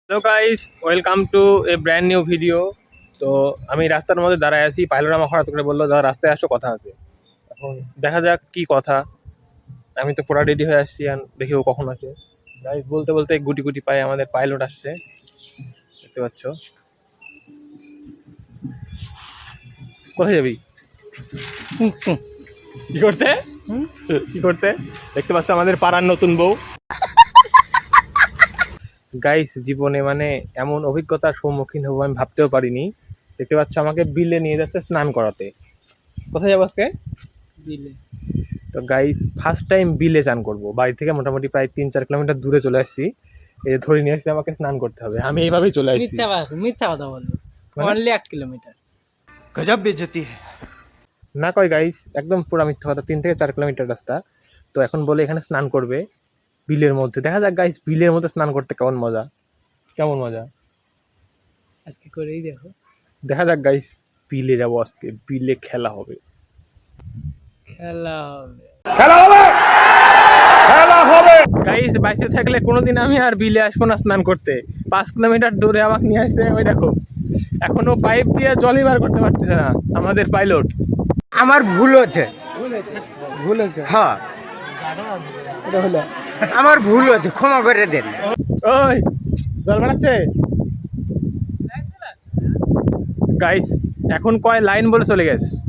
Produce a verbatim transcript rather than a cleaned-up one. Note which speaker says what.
Speaker 1: Hello guys, welcome to a brand new video. তো আমি রাস্তার মধ্যে দাঁড়ায় আছি, পাইলট আমার হঠাৎ করে বললো দাদা রাস্তায় আসো, কথা আছে। এখন দেখা যাক কি কথা। আমি তো পুরা রেডি হয়ে আসছি, আর দেখি ও কখন আসে। গাইস বলতে বলতে গুটি গুটি পায়ে আমাদের পাইলট আসছে, দেখতে পাচ্ছ। কোথায় যাবি? কি করতে কি করতে দেখতে পাচ্ছ আমাদের পাড়ার নতুন বউ। গাইস জীবনে মানে এমন অভিজ্ঞতার সম্মুখীন হবো আমি ভাবতেও পারিনি। দেখতে পাচ্ছ আমাকে বিলে নিয়ে যাচ্ছে স্নান করাতে। কোথায় যাবো আজকে?
Speaker 2: বিলে।
Speaker 1: তো গাইস ফার্স্ট টাইম বিলে স্নান করবো, বাড়ি থেকে মোটামুটি প্রায় তিন চার কিলোমিটার দূরে চলে আসছি। এই যে ধরে নিয়ে আসছি, আমাকে স্নান করতে হবে, আমি এইভাবেই চলে আসছি।
Speaker 2: মিথ্যা কথা মিথ্যা কথা বললো,
Speaker 1: মানে?
Speaker 2: অনলি এক কিলোমিটার।
Speaker 3: गजब बेइज्जती है।
Speaker 1: না কয় গাইস, একদম পুরো মিথ্যা কথা, তিন থেকে চার কিলোমিটার রাস্তা। তো এখন বলে এখানে স্নান করবে বিলের মধ্যে। দেখা যাক গাইস বিলের মধ্যে স্নান করতে কেমন মজা, কেমন মজা
Speaker 2: আজকে করেই দেখো।
Speaker 1: দেখা যাক গাইস, বিলে যাবো আজকে, বিলে খেলা হবে।
Speaker 2: খেলা হবে।
Speaker 1: গাইস বাইসে থাকলে কোনোদিন আমি আর বিলে আসবো না স্নান করতে। পাঁচ কিলোমিটার দূরে আমাকে নিয়ে আসতে, ওই দেখো এখনো পাইপ দিয়ে জলই বার করতে পারতেছে না আমাদের পাইলট।
Speaker 3: আমার ভুল হচ্ছে ভুল হচ্ছে হ্যাঁ এটা হলো আমার ভুল হচ্ছে, ক্ষমা করে দেন।
Speaker 1: ওই জল বানাচ্ছে গাইস, এখন কয় লাইন বলে চলে গেছে।